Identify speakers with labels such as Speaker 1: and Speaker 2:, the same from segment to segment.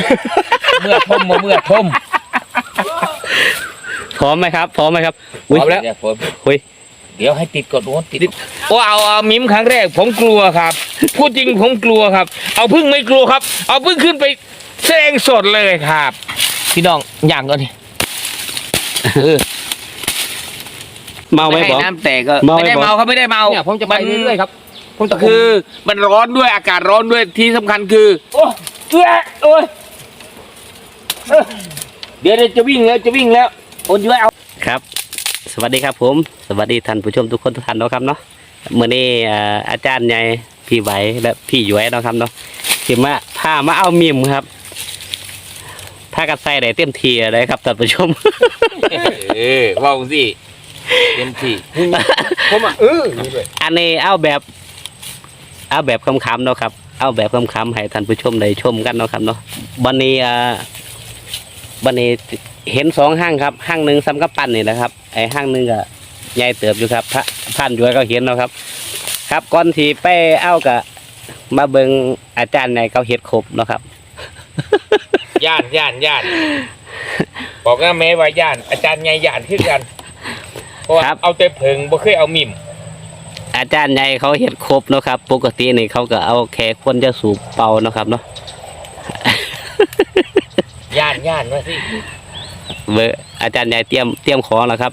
Speaker 1: เมื่อทมเมื่อทม
Speaker 2: พร้อมไหมครับพร้อมไหมครับ
Speaker 1: พร้อมแล้ว
Speaker 2: คุย
Speaker 1: เดี๋ยวให้ติดก่อนโอ้ติดโอ้เอามิมครั้งแรกผมกลัวครับพูดจริงผมกลัวครับเอาพึ่งไม่กลัวครับเอาพึ่งขึ้นไปแสดงสดเลยครับพี่น้องอย่างก่อนนี่
Speaker 2: เมาไหมบอก
Speaker 1: น้ำแตกก็ไม่ได้เมาครับไม่ได้เมา
Speaker 3: เนี่ยผมจะไปเรื่อยๆครับผมจะ
Speaker 1: คือมันร้อนด้วยอากาศร้อนด้วยที่สำคัญคือโอ้โอ้ยเดี๋ยวจะวิ่งแล้วโอนย้อยเอา
Speaker 2: ครับสวัสดีครับผมสวัสดีท่านผู้ชมทุกคนทุกท่านเนาะครับเนาะเมื่อนี้อาจารย์ใหญ่พี่ไหวและพี่ย้อยเนาะครับเนาะที่มาพามาเอามิมครับถ้ากัดใส่ได้เต็มทีเลยครับท่านผู้ชม
Speaker 1: ว่าสิเต็มที่
Speaker 3: ผม
Speaker 2: อันนี้เอาแบบคำๆเนาะครับเอาแบบคำๆให้ท่านผู้ชมได้ชมกันเนาะครับเนาะวันนี้เห็น2ห้างครับห้างหนึ่งซ้ำกับปั้นนี่แหละครับไอ้ห้างหนึ่งก็ใหญ่เติบอยู่ครับพระพันด้วยก็เห็นเนาะครับครับก่อนที่ไปเอากะมาเบิ่งอาจารย์ในเขาเฮ็ดครบเนาะครับ
Speaker 1: ย่านบอกนะแม่ว่าย่านอาจารย์ใหญ่ย่านขึ้นกันเพราะเอาแต่เพิงบ่เคยเอามิม
Speaker 2: อาจารย์ใหญ่เขาเฮ็ดครบเนาะครับปกตินี่เขาก็เอาแค่คนจะสูบเป่าเนาะครับเนาะ
Speaker 1: ย่านว่าสิ
Speaker 2: เบอร์อาจารย์ใหญ่เตรียมของแล้วครับ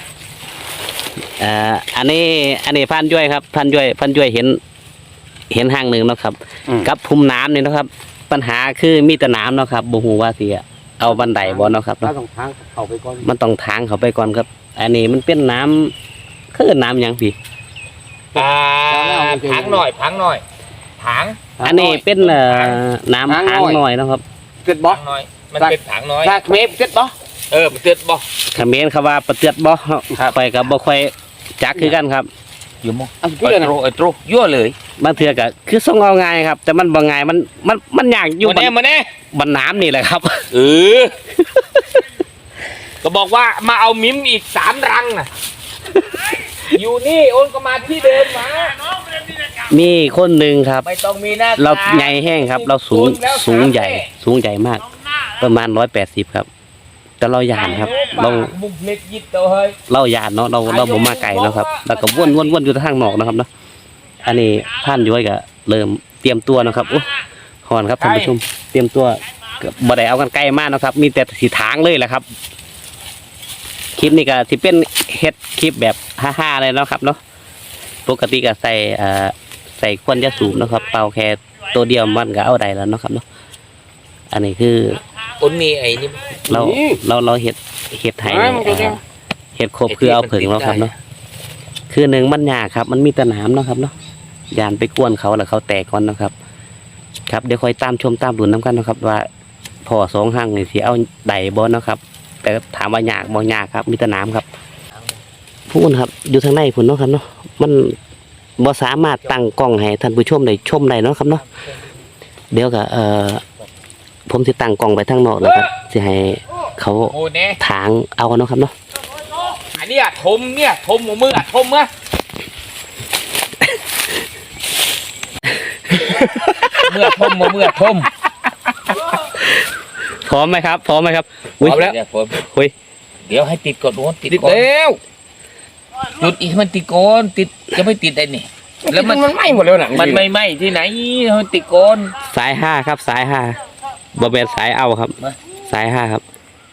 Speaker 2: อันนี้พันย้วยครับพันย้วยเห็นห้างหนึ่งเนาะครับกับภูมิน้ำนี่นะครับปัญหาคือมีแต่น้ำเนาะครับบ่ฮู้ว่าสิเอาบันไดบ่เนาะครับ
Speaker 3: มันต้องทางเข้าไปก่อน
Speaker 2: มันต้องทางเข้าไปก่อนครับอันนี้มันเป็นน้ำคือน้ำหยังพี่
Speaker 1: พังหน่อยถัง
Speaker 2: อันนี้เป็นน้ำถังหน่อยนะครับ
Speaker 3: เกิดบ่
Speaker 1: หน่อยมันเป็นถังน้อย
Speaker 3: ถ้าเมฟเกิดบ่
Speaker 1: เตือนบ่
Speaker 2: เขมรเขาว่าประเตือนบ่ไปกับบ่ค่อยจักคือกันครับ
Speaker 1: อยู่มั้งไอ้โตยั่วเลย
Speaker 2: บางเทื่อก็คือส่งเอาง่ายครับแต่มันบ่ง่ายมันยากอยู่
Speaker 1: มาแน่
Speaker 2: บนน้ำนี่แหละครับ
Speaker 1: ก็บอกว่ามาเอามิมอีก3 รังน่ะอยู่นี่โอนก็มาที่เดิมมา
Speaker 2: มีคนหนึ่งครับ
Speaker 1: ไม่ต้องมีหน้า
Speaker 2: เราใหญ่แห้งครับเราสูงใหญ่มากประมาณ180ครับแต่เราหยาดครับเราหยาดเนาะเราบ่มาไก่เนาะครับแล้วก็วนอยู่ทางนอกนะครับเนาะอันนี้ท่านย้อยก็เริ่มเตรียมตัวนะครับโอ้หอนครับท่านผู้ชมเตรียมตัวบ่ได้เอากันใกล้มากนะครับมีแต่สีทางเลยแหละครับคลิปนี้ก็ที่เป็นเฮ็ดคลิปแบบฮ่าๆเลยเนาะครับเนาะปกติก็ใส่ควันยาสูบนะครับเป่าแค่ตัวเดียวมันก็เอาได้แล้วเนาะครับเนาะอันนี้คือ
Speaker 1: คนมีไอ้นี่
Speaker 2: เราเห็ดไทยเห็ดครบคือเอาผึ่งแล้วครับเนาะคือหนึ่งมันยากครับมันมีตะหนามเนาะครับเนาะยานไปกวนเขาแล้วเขาแตกก่อนนะครับครับเดี๋ยวคอยตามชมตามดูน้ำกันนะครับว่าพอ2ห้างนี่สิเอาไดบอลนะครับแต่ถามว่ายากบ่ยากครับมีตะหนามครับพูดครับอยู่ทางในผุนเนาะครับเนาะมันบ่สามารถตั้งกล้องให้ท่านผู้ชมได้ชมได้เนาะครับเนาะเดี๋ยวก็ผมจะตั้งกล้องไปทางนอกแล้วครับจะให้เขาถางเอาเนาะครับเนาะ
Speaker 1: อันนี้ทมหัวมือทมอะเมื่อทม
Speaker 2: พร้อมไหมครับพร้อมแล้ว
Speaker 1: คุยเดี๋ยวให้ติดก่อนโอ้ติดแล้วจุดอีกมันติดก่อนติดจะไม่ติดได้นี่
Speaker 3: แล้วมันไหม้หมดแล้วนะ
Speaker 1: มันไม่ไหม้ที่ไหนมันติดก่อน
Speaker 2: สาย5ครับสาย5บะเบ็ดสายเอาครับสาย5ครับ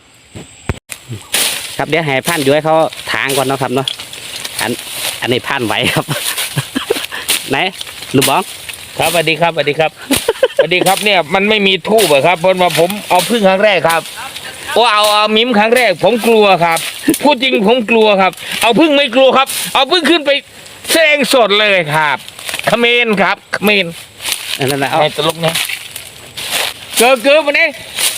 Speaker 2: ครับเดี๋ยวให้พันย้อยเขาทางก่อนเนาะครับเนาะอันนี้พันไหวครับไหนลูกบ้อง
Speaker 1: ครับสวัสดีครับเนี่ยมันไม่มีทูบครับเพราะว่าผมเอาพึ่งครั้งแรกครับโอ้เอามิมครั้งแรกผมกลัวครับพูดจริงผมกลัวครับเอาพึ่งไม่กลัวครับเอาพึ่งขึ้นไปแสดงสดเลยครับเขมรครับเขมร
Speaker 2: นั่นแหละ
Speaker 1: เอาตลกเนี่ยเกิดมาเนี่ย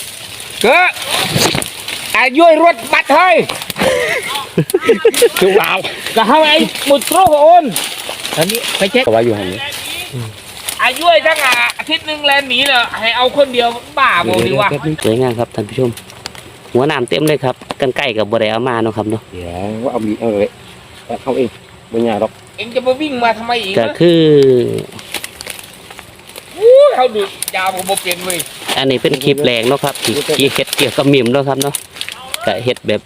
Speaker 1: อายุรถบัตรเฮ้ย
Speaker 3: ถูกเอา
Speaker 1: ก็เข้าไอ้มุดโตรโอนอันนี้ไปเช็ค
Speaker 3: ก็ว่าอยู่หันนี้
Speaker 1: อายุทั้งอาทิตย์นึงแลนหนีเลยให้เอาคนเดียวบ้าโมดีวะ
Speaker 2: สวยงามครับท่านผู้ชมหัวน้ำเต็มเลยครับกันไก่กับบริเอามาเนาะครับเนาะ
Speaker 3: เดี๋ยวว่าเอาบีเลยเอาเองไม่ยากหรอก
Speaker 1: เองจะมาวิ่งมาทำไมอีก
Speaker 2: ก็คือ
Speaker 1: เขาดูยาวผมเปลี่ยนเลย
Speaker 2: อันนี้เป็นคลิปแรงเนาะครับที่เฮ็ดเกี่ยวกับมิมเนาะครับเนาะก็เฮ็ดแบบ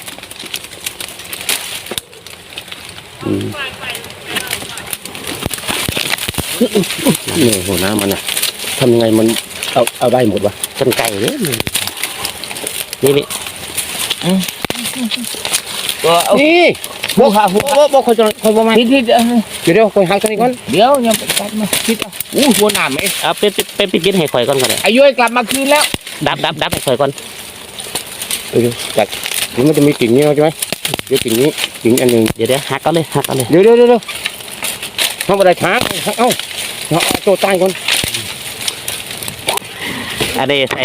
Speaker 3: นี่หัวน้ำมันนะทำยังไงมันเอาได้หมดวะ
Speaker 2: กันไก่เนี่ยนี่
Speaker 1: ก็เอา
Speaker 3: นี่
Speaker 1: หัวขาหัว
Speaker 3: บ่คนบ่มา
Speaker 1: ทิศ
Speaker 3: เดี๋ยวคนหางตัวนี้ก่อน
Speaker 1: เดี๋ยวยังไปตัดมาทิศหัวหนามไหม
Speaker 2: เอาเป็นปิดให้ข่อยก่อนก็ได้
Speaker 1: อายุกลับมาคืนแล้ว
Speaker 2: ดับให้ข่อยก่อน
Speaker 3: เดี๋ยวจัดเดี๋ยวมันจะมีกิ่งนี้ใช่ไหมเดี๋ยวกิ่งนี้กิ่งอันหนึ่ง
Speaker 2: เดี๋ยวหักเอาเลย
Speaker 3: เดี๋ยวเข้ามาได้ช้างเอาโจใต้ก่อน
Speaker 2: อันนี้ใส่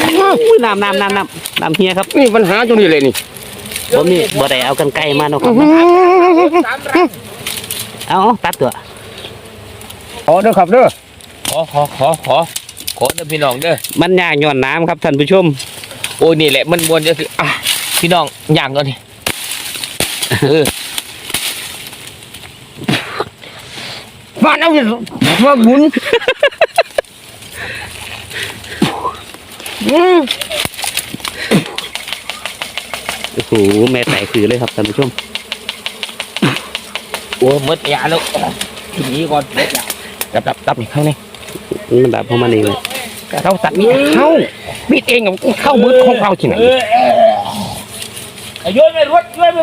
Speaker 2: น้ำเฮียครับ
Speaker 3: นี่ปัญหาตรงนี้เลยนี่
Speaker 2: บ่ได้เอากันไก่มาเนาะครับ
Speaker 1: สามรัง
Speaker 2: เอาตัดตัว
Speaker 3: ขอเด้อครับเด้อ
Speaker 1: ขอเด้อพี่น้องเด้อ
Speaker 2: มันยากย้อนน้ำครับท่านผู้ชม
Speaker 1: โอ้ยนี่แหละมันบวนจะสิพี่น้องย่างก่อนดิ
Speaker 3: มาเอาสิมาหมุน
Speaker 2: โอ้โหแม่ไต่คือเลยครับท่านผู้ชม
Speaker 1: โอ้มดยาแล้วหนีก่อนมดยา
Speaker 3: ดับนี่เข้านี่
Speaker 2: มันดับเพราะมันเองเลย
Speaker 3: เข้าสัตว์นี่เข้าบิดเองเข้ามือของเขาที่ไหน
Speaker 1: โยนไปรถ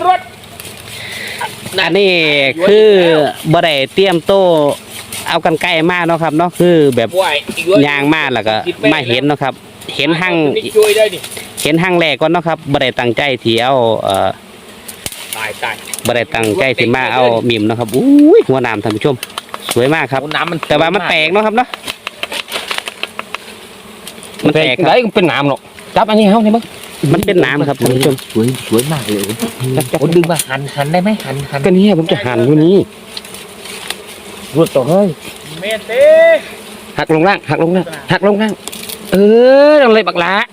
Speaker 2: อันนี้คือบ่ได้เตรียมโต้เอากันไก่มาเนาะครับเนาะคือแบบยางมาแล้วก็มาเห็นเนาะครับ เห็นหั่ง
Speaker 1: ช่วยได้ดิ
Speaker 2: เห็นหั่งแรกก่อนเนาะครับบ่ได้ตั้งใจที่เอา
Speaker 1: ตาย
Speaker 2: บ่ได้ตั้งใจที่มาเอามิมเนาะครับอุ้ยหัวน้ำท่านผู้ชมสวยมากครับ
Speaker 1: น้ำมัน
Speaker 2: แต่ว่ามันแตกเนาะครับเนาะมันแตกครับ
Speaker 3: ได้เป็นน้ำหรอกจับอันนี้เข้าเนี่ยมั้ง
Speaker 2: มันเป็นน้ำครับท่านผู้ชม
Speaker 1: สวยมากเลยโอ้ดึงมาหันได้ไหมหัน
Speaker 3: ก็นี่ผมจะหั่นอยู่นี่รวดต่อเฮ้ย
Speaker 1: เมเต้
Speaker 3: หักลงล่างลงเลยบักหลา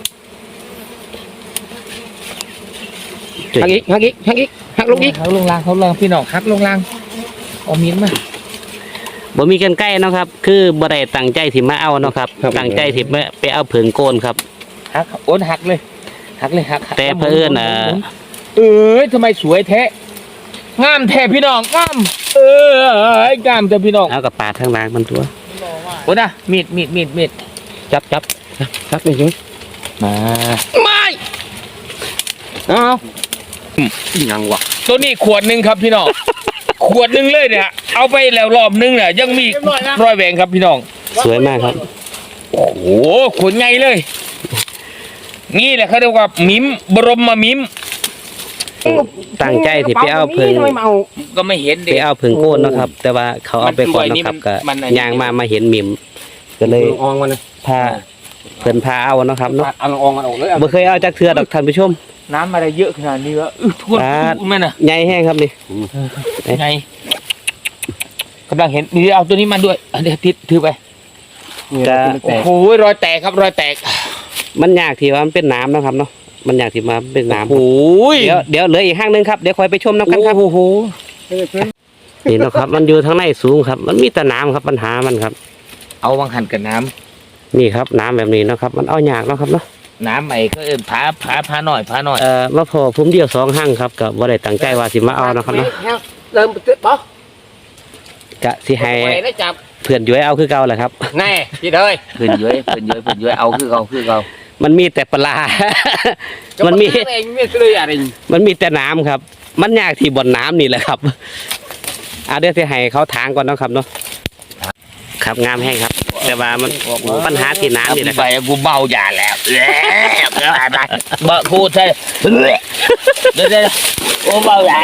Speaker 3: หักอีกหักลงอีก
Speaker 1: เขาลงล่างพี่น้องฮักลงล่างเอามิ้นมา
Speaker 2: บ่มีกันไก่เนาะครับคือบ่ได้ตั้งใจที่มาเอาเนาะครับตั้งใจที่ไปเอาเผิงโกนครับ
Speaker 1: ฮักโอนหักเลยหัก
Speaker 2: แต่เพื่อน
Speaker 1: ทำไมสวยแท้งามแท้พี่น้องงามงามแต่พี่น้อง
Speaker 2: เอากับปาดทางล่างมันตัว
Speaker 1: โอ้นะมีด
Speaker 3: จับนี่สิ
Speaker 1: มา
Speaker 3: ไม่เอายังวะ
Speaker 1: ตัวนี้ขวดหนึ่งครับพี่น้อง ขวดหนึ่งเลยเนี่ยเอาไปแล้วรอบนึงเนี่ยยังมีรอยแหวงครับพี่น้อง
Speaker 2: สวยมากครับ
Speaker 1: โอ้โหขวดไงเลยนี่แหละเขาเรียกว่ามิมบรมมิม
Speaker 2: ตั้งใจที่ไปเอาเพิง
Speaker 1: ก็ไม่เห็น
Speaker 2: ไป
Speaker 1: เด็ก
Speaker 2: เอาเพิงโกนเนาะครับ แต่ว่าเขาเอาไปก่อนเนาะครับก็ยางมาเห็นมิมก็เลย
Speaker 3: อองมันนะ
Speaker 2: พาเพิ่นพาเอาเนาะครับเนาะ
Speaker 3: เอาอองมันออกเลย
Speaker 2: บ่เคยเอาจากเทือดอกท่านผู้ชม
Speaker 1: น้ำอะไรเยอะขนาดนี้วะทุกมันอ่ะ
Speaker 2: ใหญ่แห้งครับนี่
Speaker 1: ไงกำลังเห็นนี่เอาตัวนี้มาด้วยเดี๋ยวติดถือไปโอ้โหรอยแตกครับรอยแตก
Speaker 2: มันยากที่ว่ามันเป็นน้ำเนาะครับเนาะมันยากที่มาเป็นน้ำ
Speaker 1: โอ้ย
Speaker 2: เดี๋ยวเหลืออีกห้างนึงครับเดี๋ยวคอยไปชมน้ำกันครับ
Speaker 1: โอ้โห
Speaker 2: นี่เนาะครับ มันอยู่ทางในสูงครับ มันมีแต่น้ำครับปัญหามันครับ
Speaker 1: เอาวังหันกับน้
Speaker 2: นี่ครับน้ำแบบนี้เนาะครับมันเอายากเนาะครับเนาะ
Speaker 1: ำน้ำไอ้ก็พาหน่อย
Speaker 2: มาพอผมเดียวสองห้างครับก็บ่ได้ตั้งใจว่าสิมาเอานะครับเนาะ
Speaker 3: เริ่มตึ๊ดปะ
Speaker 2: กะสิให้
Speaker 3: ได้จับ
Speaker 2: เพื่อนย้วยเอาคือเก่าแหละครับ
Speaker 3: แน่พี่เด้ย
Speaker 1: เพื่อนเย้ยเอาคือเขา
Speaker 2: มันมีแต่ปลา มันมี
Speaker 3: เองไม่เลยอะไร
Speaker 2: มันมีแต่น้ำครับ มันยากที่บ่อนน้ำนี่แหละครับเอาเดี๋ยวสิให้เขาทางก่อนเนาะครับเนาะครับงามแห้งครับ แต่ว่ามันปัญหาที่น้ำนี่แหละค
Speaker 1: ไป
Speaker 2: รับ
Speaker 1: กูเบาอย่าแล้วเบาพูดใช่เดี๋ยวโอ้เบาอย่า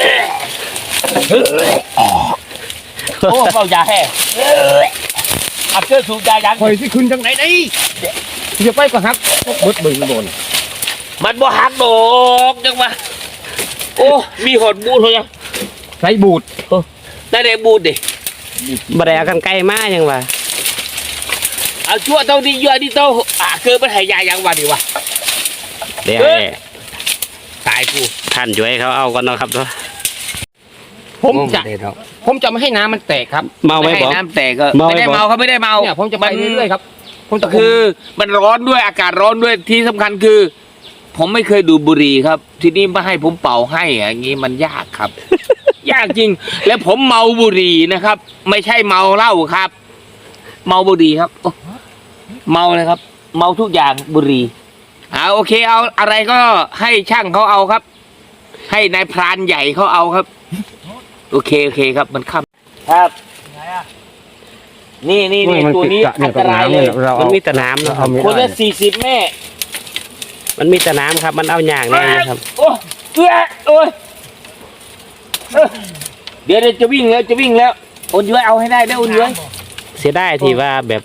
Speaker 1: โอ้เบาอย่าแฮ่อับเจอสูบยายัง
Speaker 3: คอยที่คุณจังไหนนี่จะไปก็ฮักบดบึงโดน
Speaker 1: มันบ่หักดอกจังวะโอ้มีหดบูดเลย
Speaker 3: ใส่บูด
Speaker 1: ได้เด็บูดดิ
Speaker 2: บ่ได้เอากันไกลมายังวะ
Speaker 1: เอาชั่วเท่าที่ยั่วที่เท่าเกิดปัญหายายังวันดีวะ
Speaker 2: เดี๋ยวให้
Speaker 1: ตายกู
Speaker 2: ท่านย้วยเขาเอาก่อนเนาะครับเนาะ
Speaker 3: ผมจะไม่ให้น้ำมันแตกครับ
Speaker 2: เมาไหม
Speaker 1: ไม่ให้
Speaker 2: บอก
Speaker 1: น้ำแตกก็
Speaker 2: เมาไหม
Speaker 1: ไม่ได้
Speaker 2: บอก
Speaker 1: เมาเขาไม่ได้เมา
Speaker 3: เนี่ยผมจะไปเรื่อยๆครับ
Speaker 1: คือมันร้อนด้วยอากาศร้อนด้วยที่สำคัญคือ ผมไม่เคยดูดบุหรี่ครับ ที่นี่มาให้ผมเป่าให้อย่างนี้มันยากครับ ยากจริง แล้วผมเมาบุหรี่นะครับ ไม่ใช่เมาเหล้าครับ เมาบุหรี่ครับโอ้เมาเลยครับ เมาทุกอย่างบุหรี่โอเคเอาอะไรก็ให้ช่างเขาเอาครับ ให้นายพรานใหญ่เขาเอาครับ โอเคครับมันค่ำครับนี่ตัวนี้อันตรายเลย
Speaker 2: มันมีแต่น้ำนะครับ
Speaker 1: คนละ40 แม่
Speaker 2: มันมีแต่น้ำครับ มันเอาอย่างแน่นะครับ
Speaker 1: โอ้โอ้ยเดี๋ยวจะวิ่งแล้วโอนย้อยเอาให้ได้โอนย้อย
Speaker 2: เสียดายที่ว่าแบบ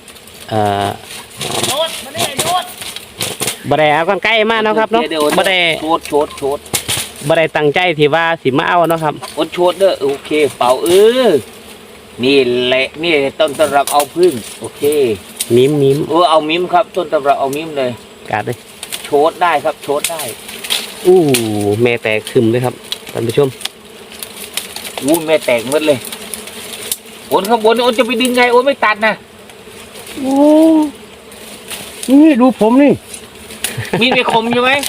Speaker 2: บ่ได้เอากันใกล้มากนาะครับเนาะบ่ได้
Speaker 1: โชด
Speaker 2: บ่ได้ตั้งใจที่ว่าสิมาเอาเนาะครับ
Speaker 1: โอนโชดเด้อโอเคเป่านี่แหละนี่ต้นตำรับเอาพึ่งโอเค
Speaker 2: มิม
Speaker 1: เอามิมครับต้นตำรับเอามิมเลย
Speaker 2: กาดเลย
Speaker 1: โชดได้ครับโชดได้
Speaker 2: อู้แม่แตกคึมเลยครับท่านผู้ชม
Speaker 1: แม่แตกหมดเลยโอนข้างบนโอนจะไปดึงไงโอนไม่ตัดนะ
Speaker 3: โอ้นี่ดูผมนี่
Speaker 1: มีดไม่คมใช่ไหม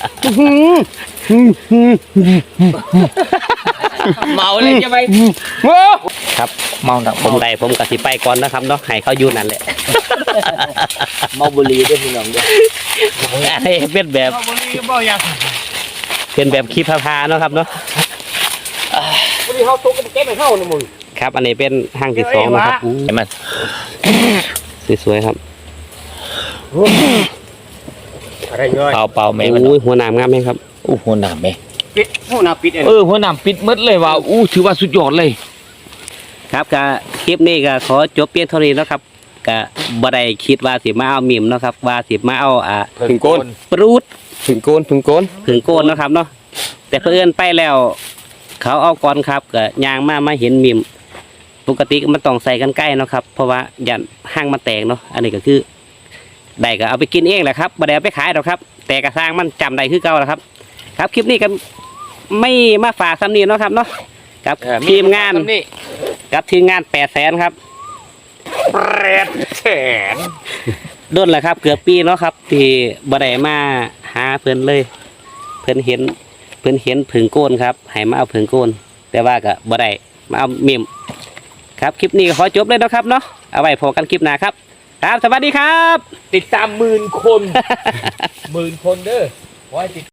Speaker 1: เมาเลยใช่ไหม
Speaker 2: ครับ
Speaker 1: เมาหนัก
Speaker 2: ผมได้ผมกสิไปก่อนนะครับเนาะให้เขาอยู่นั่นแหละ
Speaker 1: เมาบุหรี่ด้วยพี่น้องด้วย
Speaker 2: ให้เป็นแบบเป็นแบบคลิปพาๆเนาะครับเนาะ
Speaker 3: วันนี้เขาตกกันเก็บไปเข้าในมือ
Speaker 2: ครับอันนี้เป็นห้างที่สองนะครับอู้
Speaker 1: เห็นไหม
Speaker 2: สวยๆครับ
Speaker 3: อะไรย่อย
Speaker 1: เป่าแม่มัน
Speaker 2: อู้หัวหนามงามไหมครับ
Speaker 1: หัวหนามแม่
Speaker 3: ปิดห้องน้ำปิดเอง
Speaker 1: หัวหนามปิดมดเลยว่ะถือว่าสุดยอดเลย
Speaker 2: ครับก็คลิปนี้ก็ขอจบเพียงเท่านี้แล้วครับก็บ่ได้คิดว่าสิมาเอามิมเนาะครับว่าสิมาเอา
Speaker 3: ถึงโกน
Speaker 2: ปรูด
Speaker 3: ถึงโกน
Speaker 2: ผึ่งโกนเนาะครับเนาะแต่เพื่อนไปแล้ว เขาเอาก่อนครับก็ยางมาเห็นมิมปกติมันต้องใส่กันใกล้เนาะครับเพราะว่ายันห้างมันแตกเนาะอันนี้ก็คือได้ก็เอาไปกินเองแหละครับบ่ได้เอาไปขายหรอกครับ แต่กระสร้างมันจำได้คือเก่าแหละครับ ครับคลิปนี้ก็ไม่มาฝากซ้ำนี้เนาะครับเนาะกับทีมงานกับทีมงาน800,000ครับ800,000ด้นแหละครับเกือบปีเนาะครับที่บ่ได้มาหาเพิ่นเลยเพิ่นเห็นผึ่งโกนครับให้มาเอาผึ่งโกนแต่ว่าก็บ่ได้มาเอาเมมครับคลิปนี้ก็ขอจบเลยนะครับเนาะเอาไว้พบกันคลิปหน้าครับครับสวัสดีครับ
Speaker 1: ติดตาม10,000 คน 10,000 คนเด้อไว้ติด